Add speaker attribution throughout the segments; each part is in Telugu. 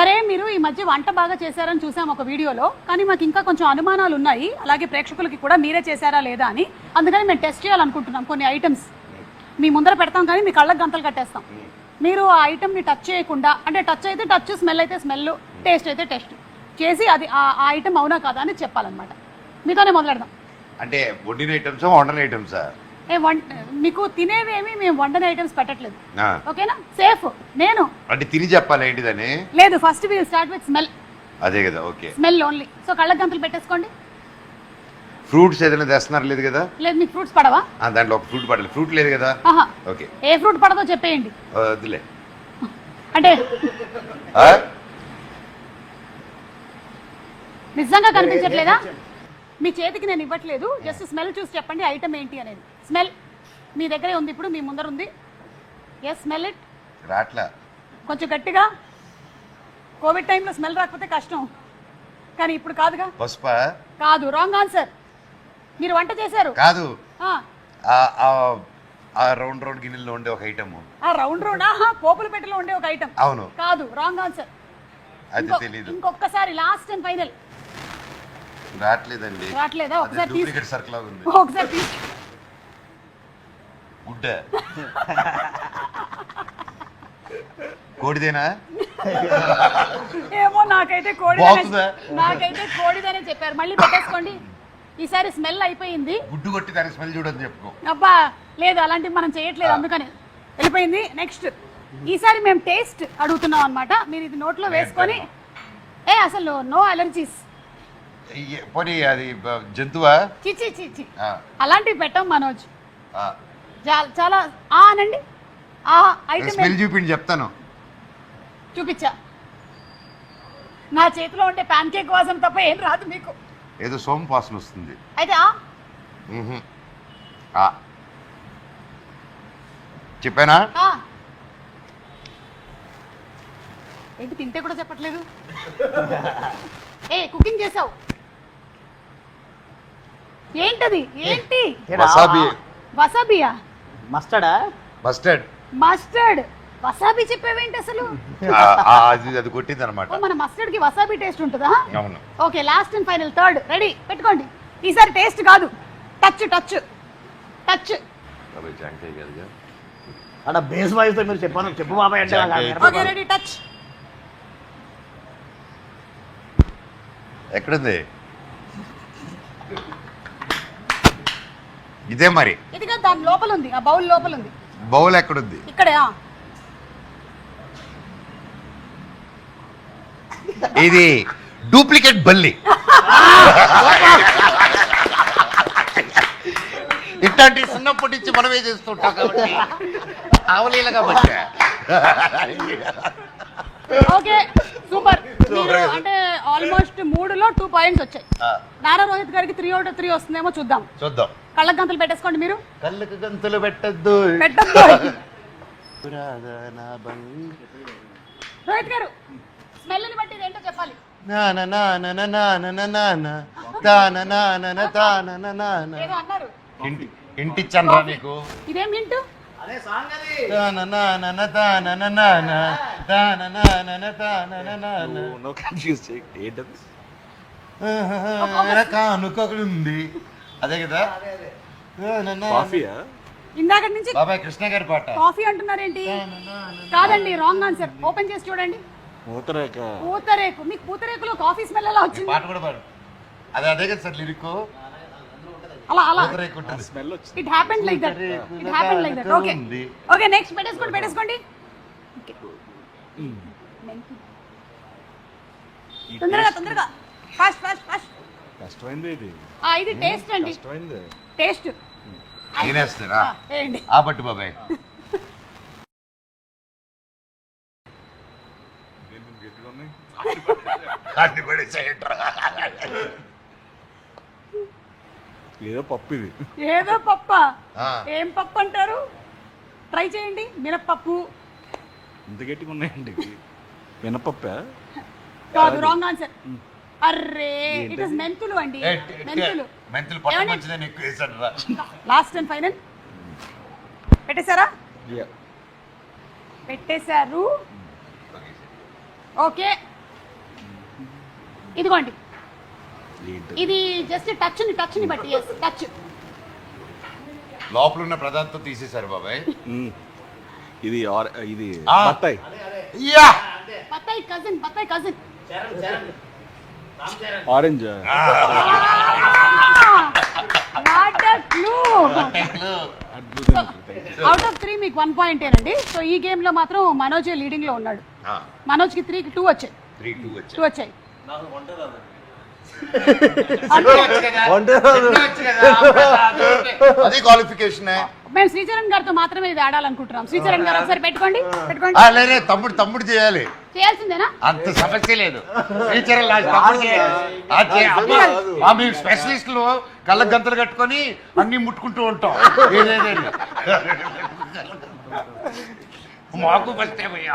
Speaker 1: సరే మీరు ఈ మధ్య వంట బాగా చేశారని చూసాం ఒక వీడియోలో, కానీ మాకు ఇంకా కొంచెం అనుమానాలు ఉన్నాయి, అలాగే ప్రేక్షకులకి కూడా మీరే చేశారా లేదా అని. అందుకని మేము టెస్ట్ చేయాలనుకుంటున్నాం కొన్ని ఐటమ్స్. మీ ముందర పెడతాం కానీ మీ కళ్ళకు గంతలు కట్టేస్తాం. మీరు ఆ ఐటమ్ని టచ్ చేయకుండా, అంటే టచ్ అయితే టచ్, స్మెల్ అయితే స్మెల్, టేస్ట్ అయితే టేస్ట్ చేసి అది ఆ ఐటమ్ అవునా కాదా అని చెప్పాలన్నమాట. మీతోనే మొదలెడదాం.
Speaker 2: అంటే వండిన ఐటమ్సా వండని ఐటమ్సా?
Speaker 1: మీకు తినేవేమి మేము వండని ఐటమ్స్ పెట్టట్లేదు, ఓకేనా? సేఫ్. నేను
Speaker 2: అంటే తిని చెప్పాలి ఏంటిదని
Speaker 1: లేదు. First will start with smell.
Speaker 2: అదే కదా, ఓకే.
Speaker 1: Smell only. సో కళ్ళకు గంతలు పెట్టేసుకోండి.
Speaker 2: ఫ్రూట్స్ ఏదైనా తెస్తున్నారు లేదు కదా?
Speaker 1: లేదు. మీకు ఫ్రూట్స్ పడవా?
Speaker 2: దాంట్లో ఒక ఫ్రూట్ పడలేదు. ఫ్రూట్ లేదు కదా? ఓకే.
Speaker 1: ఏ ఫ్రూట్ పడదో చెప్పేయండి.
Speaker 2: వద్దులే.
Speaker 1: అంటే నిజంగా కనిపించట్లేదా? మీ చేతికి నేను ఇవ్వట్లేదు, జస్ట్ స్మెల్ చూసి చెప్పండి ఐటమ్ ఏంటి అనేది. స్మెల్ మీ దగ్గరే ఉంది, ఇప్పుడు మీ ముందర ఉంది. Yes, smell it.
Speaker 2: రాట్లా.
Speaker 1: కొంచెం గట్టిగా. కోవిడ్ టైంలో స్మెల్ రాకపోతే కష్టం, కానీ ఇప్పుడు కాదుగా.
Speaker 2: పసుపా? కాదు,
Speaker 1: రాంగ్ ఆన్సర్. మీరు వంట చేశారు
Speaker 2: కాదు. ఆ రౌండ్ రౌండ్ గిన్నెల్లో ఉండే ఒక ఐటమ్.
Speaker 1: ఆ రౌండ్ రౌండ్ పోపుల పెట్టెలో ఉండే ఒక ఐటమ్.
Speaker 2: అవును.
Speaker 1: కాదు, రాంగ్ ఆన్సర్.
Speaker 2: అది తెలీదు.
Speaker 1: ఇంకొకసారి, లాస్ట్ అండ్ ఫైనల్.
Speaker 2: రాట్లేదండి.
Speaker 1: రాట్లేదా? ఒకసారి
Speaker 2: డూప్లికేట్ సర్కిల్ ఉంది.
Speaker 1: ఒకసారి తీసి.
Speaker 2: గుడ్డ. కోడిదేనా?
Speaker 1: ఏమో, నాకైతే కోడిదనే చెప్పారు. మళ్ళీ పెట్టేసుకోండి. ఈసారి స్మెల్ అయిపోయింది.
Speaker 2: గుడ్డు కొట్టి దాని స్మెల్ చూడని చెప్పుకో.
Speaker 1: అబ్బా లేదు, అలాంటివి మనం చేయట్లేదు, అందుకని వెళ్ళిపోయింది. నెక్స్ట్, ఈసారి మేము టేస్ట్ అడుగుతున్నాం అనమాట. మీరు ఇది నోట్లో వేసుకొని, అసలు నో అలర్జీస్.
Speaker 2: పోనీ అది జంతువా?
Speaker 1: చిచి చిచి, అలాంటివి పెట్టాం మనోజ్. చాలా అనండి. ఆ ఐటమ్
Speaker 2: స్మెల్ చూపిండి చెప్తాను.
Speaker 1: చూపించా. నా చేతిలో ఉండే ప్యాన్ కేక్ వాసన తప్ప ఏం రాదు మీకు.
Speaker 2: ఏదో సోమ్ వాసన వస్తుంది.
Speaker 1: అయితే
Speaker 2: చెప్పానా?
Speaker 1: ఏంటి తింటే కూడా చెప్పట్లేదు? కుకింగ్ చేసావు ఏంటది? ఏంటి?
Speaker 2: వసాబీ.
Speaker 1: వసాబియా?
Speaker 3: మస్టర్డా?
Speaker 2: మస్టర్డ్.
Speaker 1: మస్టర్డ్. వసాబీ చెప్పేవేంటి అసలు?
Speaker 2: అది కొట్టింది అనమాట.
Speaker 1: మన మస్టర్డ్ కి వసాబీ టేస్ట్ ఉంటుందా?
Speaker 2: అవును.
Speaker 1: Okay, last and final, third. Ready, పెట్టుకోండి. ఈసారి టేస్ట్ కాదు, టచ్ టచ్ టచ్.
Speaker 3: అక్కడ బేస్ వాయిస్ తో మీరు చెప్పాను, చెప్పు బాబాయ్ అంటే.
Speaker 1: Okay, ready, touch.
Speaker 2: ఎక్కడుంది? ఇదే మరి.
Speaker 1: ఇదిగా దాని లోపల ఉంది, ఆ బౌల్ లోపల ఉంది.
Speaker 2: బౌల్ ఎక్కడుంది?
Speaker 1: ఇక్కడే.
Speaker 2: ఇది డూప్లికేట్ బల్లి. ఇట్లాంటి చిన్నప్పటి నుంచి మనమే చేస్తుంటాం కాబట్టి అవలీలగా వచ్చా.
Speaker 1: Okay, super. మీరు అంటే ఆల్మోస్ట్ 3లో 2 పాయింట్స్ వచ్చాయి. నారా రోహిత్ గారికి 3 out of 3 వస్తుందేమో చూద్దాం. కళ్ళకు గంతలు పెట్టేసుకోండి. మీరు
Speaker 2: కళ్ళకు గంతలు పెట్టద్దు.
Speaker 1: రోహిత్ గారు, స్మెల్ ని బట్టి ఏంటో చెప్పాలి. ఏదో అన్నారు.
Speaker 2: ఇంటిచ్చాను రా నీకు.
Speaker 1: ఇదేం హింట్?
Speaker 2: ఉంది అదే కదా.
Speaker 1: ఇందాక నుంచి
Speaker 2: బాబాయ్ కృష్ణ గారి పాట.
Speaker 1: కాఫీ అంటున్నారేంటి? కాదండి, రాంగ్ ఆన్సర్. ఓపెన్ చేసి చూడండి. పూతరేకు. మీకు పూతరేకులో కాఫీ స్మెల్ ఎలా వచ్చింది?
Speaker 2: పాట కూడా పాడు. అదే కదా సార్ లిరిక్.
Speaker 1: అలా it happened like that. Okay okay, next పెట్టేసుకోండి. తొందరగా ఫాస్ట్.
Speaker 4: కష్టమైంది ఇది.
Speaker 1: ఇది టేస్ట్ అండి. టేస్ట్
Speaker 2: తినేస్తారా? ఆ పట్టు బాబాయ్.
Speaker 4: ఏదో పప్పు ఇది.
Speaker 1: ఏదో పప్ప. ఏం పప్పు అంటారు? ట్రై చేయండి. మినప్పప్పు.
Speaker 4: ఇంత గట్టిగా ఉన్నాయండి. మినపప్పా?
Speaker 1: కాదు, రాంగ్ ఆన్సర్. అర్రే, ఇట్ ఇస్ మెంతులు అండి. Last and final. పెట్టేశారా? పెట్టేశారు. ఓకే, ఇదిగోండి
Speaker 4: ఏంటి?
Speaker 1: ఇది జస్ట్ టచ్ ని బట్టి టచ్.
Speaker 2: లోపల ఉన్న పదార్థం తీసేశారు బాబాయ్.
Speaker 4: ఇది ఇది
Speaker 2: ఆ.
Speaker 4: బత్తాయి.
Speaker 2: యా
Speaker 1: బత్తాయి cousin.
Speaker 4: Orange.
Speaker 1: What a clue. Out of 3 మీకు 1 పాయింట్ ఏనండి. సో ఈ గేమ్ లో మాత్రం మనోజ్ లీడింగ్ లో ఉన్నాడు. మనోజ్కి 3కి 2 వచ్చాయి.
Speaker 2: 3-2
Speaker 1: 2 వచ్చాయి.
Speaker 2: అది క్వాలిఫికేషన్.
Speaker 1: మేము శ్రీచరణ్ గారితో మాత్రమే ఇది ఆడాలనుకుంటున్నాం. శ్రీచరణ్ గారు ఒకసారి పెట్టుకోండి.
Speaker 2: లేదే తమ్ముడు చేయాలి.
Speaker 1: చేయాల్సిందేనా?
Speaker 2: అంత సమస్య లేదు. టీచర్ తమ్ముడు చేయాలి. మేము స్పెషలిస్టులు కళ్ళ గంతలు కట్టుకొని అన్ని ముట్టుకుంటూ ఉంటాం. ఏదేదండి మాకు ఫస్ట్ ఏమయ్యా.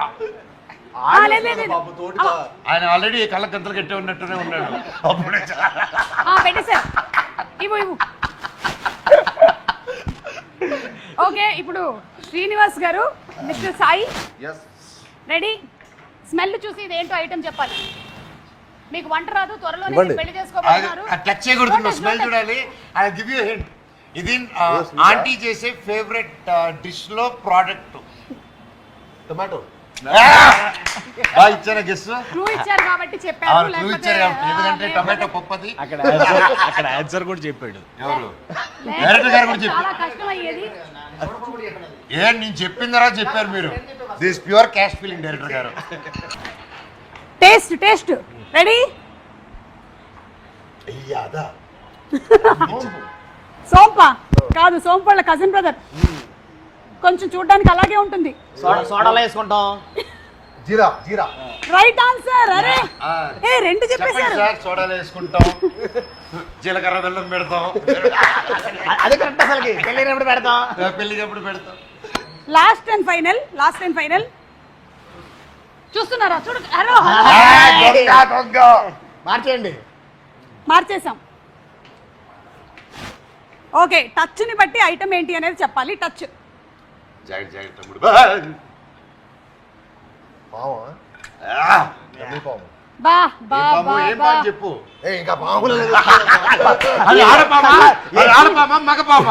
Speaker 2: ఆయన ఆల్రెడీ కళ్ళ గంతలు కట్టి ఉన్నట్టునే ఉన్నాడు. అప్పుడే
Speaker 1: పెట్టేశారు. ఇవ్వు. ఓకే, ఇప్పుడు శ్రీనివాస్ గారు, మిస్టర్ సాయి రెడీ. స్మెల్ చూసి ఇది ఏంటో ఐటమ్ చెప్పాలి. మీకు వంట రాదు, త్వరలోనే పెళ్లి చేసుకోబోతున్నారు.
Speaker 2: టచ్ చేయకూడదు, స్మెల్ చూడాలి. I give you hint. ఇది ఆంటీ చేసే ఫేవరెట్ డిష్ లో ప్రోడక్ట్.
Speaker 3: టొమాటో.
Speaker 2: బాగా ఇచ్చారా గెస్?
Speaker 1: క్లూ ఇచ్చారు కాబట్టి చెప్పారు.
Speaker 2: ఎందుకంటే టొమాటో పప్పది.
Speaker 4: అక్కడ ఆన్సర్ కూడా చెప్పాడు.
Speaker 2: ఎవరు? డైరెక్టర్ గారు కూడా
Speaker 1: చాలా
Speaker 2: చెప్పారు.
Speaker 1: కష్టం అయ్యేది.
Speaker 2: నేను చెప్పిన తర్వాత చెప్పారు మీరు. This pure cash feeling director గారు.
Speaker 1: Taste ready. సోంప కాదు, సోంపళ్ళ కజిన్ బ్రదర్. కొంచెం చూడడానికి అలాగే ఉంటుంది.
Speaker 3: సోడాలో వేసుకుంటాం.
Speaker 2: జీరా.
Speaker 1: Right answer. అరే రెండు చెప్పేశారు.
Speaker 2: సార్ సోడాలు వేసుకుంటాం, జీలకర్ర బెల్లం పెడతాం.
Speaker 3: అదే కరెక్ట్. అసలుకి పెళ్ళినప్పుడు పెడతాం.
Speaker 2: పెళ్లికప్పుడు పెడతాం.
Speaker 1: లాస్ట్ అండ్ ఫైనల్ చూస్తున్నారా? చూడు.
Speaker 2: దొంగ.
Speaker 3: మార్చేయండి.
Speaker 1: మార్చేసాం. ఓకే, టచ్ ని బట్టి ఐటమ్ ఏంటి అనేది చెప్పాలి. టచ్.
Speaker 2: జాగ్రత్త తమ్ముడు.
Speaker 1: బా
Speaker 2: ఏం పాము చెప్పు.
Speaker 3: ఇంకా పాములు
Speaker 2: అది ఆడపామా మగపామా?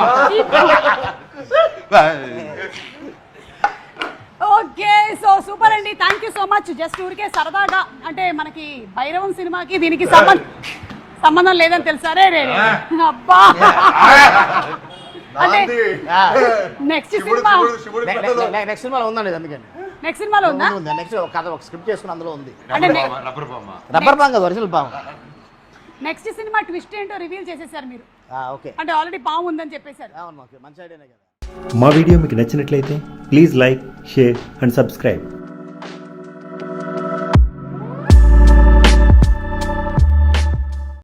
Speaker 1: ఓకే, సో సూపర్ అండి. Thank you so much. Just ఊరికే సరదాగా, అంటే మనకి భైరవం సినిమాకి దీనికి సంబంధం లేదని తెలుసా? రే అబ్బా. అంటే నెక్స్ట్
Speaker 3: సినిమాలో ఉందండి. అందుకని
Speaker 1: నెక్స్ట్ సినిమాలో ఉందా?
Speaker 3: నెక్స్ట్ కథ ఒక స్క్రిప్ట్ చేసుకుని అందులో ఉంది.
Speaker 1: అంటే
Speaker 3: రబ్బర్ పాము కదా, ఒరిజినల్ పాము.
Speaker 1: నెక్స్ట్ సినిమా ట్విస్ట్ ఏంటో రివీల్ చేసేసారు మీరు.
Speaker 3: ఓకే,
Speaker 1: అంటే ఆల్రెడీ పాము ఉందని చెప్పేశారు.
Speaker 3: అవును, మంచి ఐడియానే కదా.
Speaker 5: మా వీడియో మీకు నచ్చినట్లయితే please like, share and subscribe.